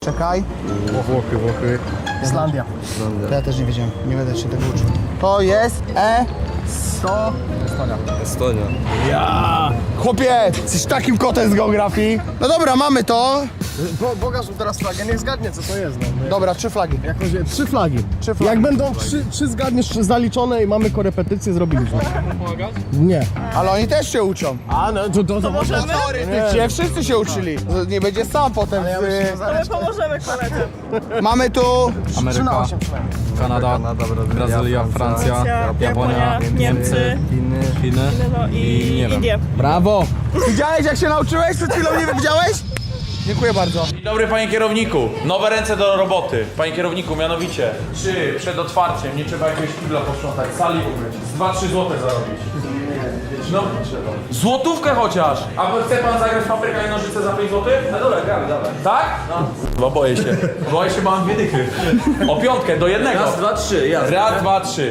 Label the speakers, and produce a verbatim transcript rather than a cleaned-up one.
Speaker 1: Czekaj.
Speaker 2: Włochy, Włochy.
Speaker 1: Islandia.
Speaker 2: Islandia.
Speaker 1: To ja też nie wiedziałem, nie będę się tego uczył. To jest E... sto... Estonia.
Speaker 2: Estonia.
Speaker 1: Ja! Chłopie, jesteś takim kotem z geografii. No dobra, mamy to.
Speaker 3: Bo, pokaż mu teraz flagę, niech zgadnie co to jest. No.
Speaker 1: Dobra, trzy flagi.
Speaker 3: Jakoś, trzy flagi.
Speaker 1: Trzy flagi.
Speaker 3: Jak będą trzy, trzy zgadniesz trzy zaliczone i mamy korepetycje, zrobiliśmy. Nie.
Speaker 1: Ale oni też się uczą.
Speaker 3: A no to, to, to możemy?
Speaker 1: Teoretycznie wszyscy się uczyli. Nie będzie sam potem.
Speaker 3: Ja myślę, że
Speaker 1: Z...
Speaker 3: za-
Speaker 4: My pomożemy koledze.
Speaker 1: Mamy tu...
Speaker 3: trzy na
Speaker 2: Ameryka,
Speaker 3: osiem przynajmniej.
Speaker 2: Kanada,
Speaker 5: Kanada, Brazylia,
Speaker 2: Brazylia, Francja,
Speaker 4: Francja,
Speaker 2: Japonia,
Speaker 4: Japonia,
Speaker 2: Niemcy,
Speaker 5: Chiny.
Speaker 2: Chiny
Speaker 4: No i,
Speaker 2: i nie wiem.
Speaker 4: Indie.
Speaker 3: Brawo!
Speaker 1: Widziałeś jak się nauczyłeś? Przed chwilą nie widziałeś? Dziękuję bardzo.
Speaker 6: Dzień dobry, panie kierowniku. Nowe ręce do roboty. Panie kierowniku, mianowicie, czy przed otwarciem nie trzeba jakiegoś kibla posprzątać, sali umyć, z dwa trzy złote zarobić? No, złotówkę chociaż! A chce pan zagrać w papryka i nożyce za pięć złotych? No dobra, gramy, dawaj. Tak? No. Bo boję się. Boję się, bo mam dwie dychy. O piątkę, do jednego.
Speaker 5: Raz, dwa, trzy, jasne.
Speaker 6: Raz, dwa, trzy.